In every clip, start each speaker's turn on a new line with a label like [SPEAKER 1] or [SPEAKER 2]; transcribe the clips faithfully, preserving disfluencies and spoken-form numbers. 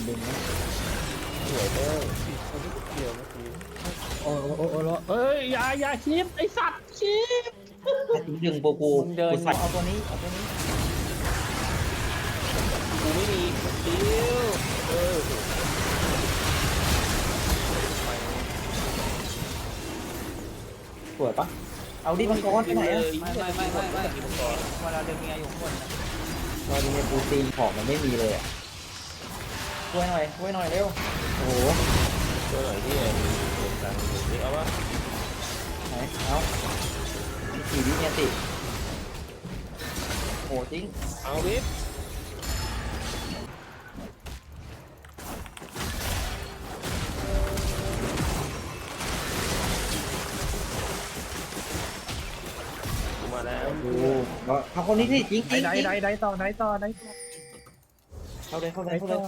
[SPEAKER 1] ดึงนะ
[SPEAKER 2] สวยเลยเขาไม่เกี่ยวเมื่อกี้
[SPEAKER 3] โอ้โอ้โอ้โอ้เอ้ยอย่าอย่าชิปไอสัตว์ชิป
[SPEAKER 1] ถ้าถึงดึงปูกู
[SPEAKER 2] มึงเดิน
[SPEAKER 1] กูใส่
[SPEAKER 2] เอาตัวนี้เอาตัวนี้กูไม่มีดิวเออ
[SPEAKER 1] สวยปะเอาดิมังกรไปไหนอะ
[SPEAKER 2] ไม่ไม่ไม่ไม่ไม่มังกรเวลาเดินเมียอยู่ข้างบนนะ
[SPEAKER 1] ตอนนี้เนี่ยปูตีนของมันไม่มีเลยอ่ะช่วยหน่อยช่วยหน่อยเร็วโอ้โห
[SPEAKER 2] ตัวหน่อยที่เดินกลางนี่เอาวะ
[SPEAKER 1] ไหนเอาสี่วิเนี่ยติโอ้จริง
[SPEAKER 2] เอาวิบกูมาแล้ว
[SPEAKER 1] โอ้โหเอาคนนี้สิจริงจริง
[SPEAKER 3] ได้ได้ได้ต่อได้ต่อได้ต่อ
[SPEAKER 1] เข้าเลยเข้าเล
[SPEAKER 3] ได้
[SPEAKER 1] ยเข้า
[SPEAKER 3] ต่
[SPEAKER 1] เล
[SPEAKER 3] อย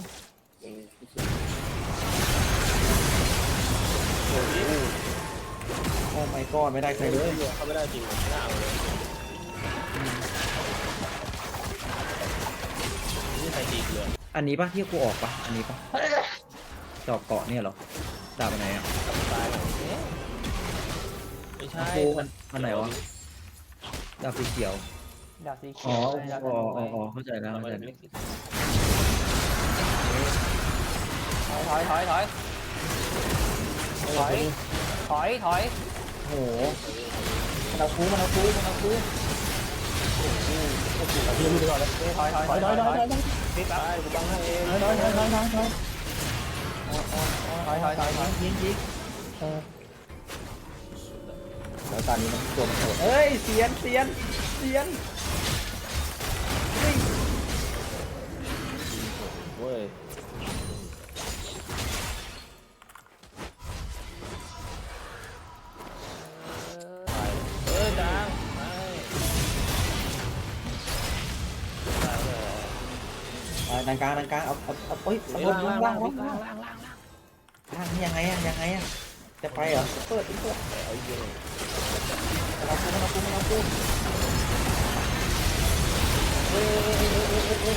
[SPEAKER 2] โอ้ย
[SPEAKER 1] โอ้ไม่ก็ไม่ได้ใครเลย
[SPEAKER 2] เขาไม่ได้จริงไม่ได้เลยนี่ใครตีเลย
[SPEAKER 1] อันนี้ปะที่กูออกปะอันนี้ปะจอบเกาะเนี่ยเหรอดาบอันไหนอ่ะ
[SPEAKER 2] ตายแล้วไม่ใช่
[SPEAKER 1] กูมันอันไหนวะดาบสีเขียว
[SPEAKER 2] ดาบสีเขี
[SPEAKER 1] อ๋อ
[SPEAKER 2] ยว
[SPEAKER 1] อ๋ออ๋ออ๋อเข้าใจแล้วเข้าใจแล้ว
[SPEAKER 2] ถอยถอยถอยถอยถอยถอย
[SPEAKER 1] โอ้โหมันเอาคูมันเอาคูมันเอาคู
[SPEAKER 3] ยืนไปก่อนเลย
[SPEAKER 2] ถอยถอย
[SPEAKER 3] ถอยถอยถอยถอยถอย
[SPEAKER 2] ปิดไปกูบังให้เอง
[SPEAKER 3] ถอยถอยถอยถอยถอยถอย
[SPEAKER 2] ถอยถอยถอยถอย
[SPEAKER 1] ยิงยิงเออแล้วตอนนี้มันตัวมันโหดเอ้ยเสียนเสียนเสียน
[SPEAKER 2] เว้ยเออจังไปได้เลย
[SPEAKER 1] อ่าดังกลางดังกลางเอาเอาเอาเฮ้ยเอาบนล่างล่างล่างล่างล่างล่างล่างนี่ยังไงอะยังไงอะจะไปเหรอเปิดเปิด
[SPEAKER 2] เอาเยอะ
[SPEAKER 1] มันเอาคูมันเอาคูมันเอาคูเฮ้ยเฮ้ยเฮ้ยเฮ้ยเฮ้ยเฮ้ย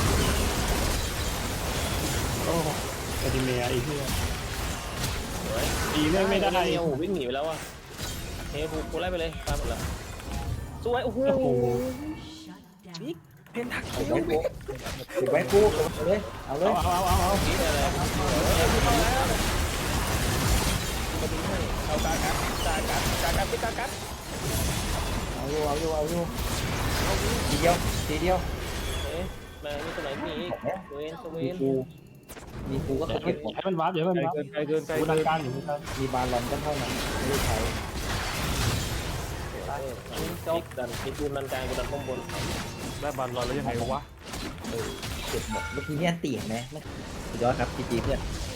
[SPEAKER 3] โอ้กระดิ่งเมียอีกเพื่อน
[SPEAKER 2] สวย
[SPEAKER 3] อีไม่ไม่ได้
[SPEAKER 2] โอ้วิ่งหนีไปแล้วอ่ะเฮ้ยกูกูไล่ไปเลยตามหมดแล้วสวยโอ้โห
[SPEAKER 3] โอ้โห
[SPEAKER 2] บิ๊กเพนทัก
[SPEAKER 1] เอา
[SPEAKER 2] คิว
[SPEAKER 1] ไว้คูเอาไว้คูเอาเลยเอาเลย
[SPEAKER 3] เอาเอาเอาเอา
[SPEAKER 2] นี่เลยเข้าแล้วเอาการกัดการกัดการกัดพี่การกัด
[SPEAKER 1] เอาอยู่เอาอยู่เอาอยู่ทีเดียวทีเดียว
[SPEAKER 2] เอ๊ะมานี่ตัวไหนมีเวนสเว
[SPEAKER 1] มี
[SPEAKER 2] น
[SPEAKER 1] กูมีกูก็เก็บหมด
[SPEAKER 3] ให้มันวาร์ปเดี๋ยวมันวาร์ป
[SPEAKER 2] ไกลเกินไกล
[SPEAKER 3] กู
[SPEAKER 2] เกิ
[SPEAKER 3] ดั
[SPEAKER 2] น
[SPEAKER 3] งการอยู่ครับ
[SPEAKER 1] มีบาลอนก็เท่านั้นไม่ได้ใช้
[SPEAKER 2] จบดันมีกูดันกลางกูดันข้างบน
[SPEAKER 3] ได้บอลลอยแล้วยังไงวะ
[SPEAKER 1] เก็บหมดเมื่อกี้เนี่ยตีเห็นไหมสุดยอดครับจีจีเพื่อน
[SPEAKER 2] เ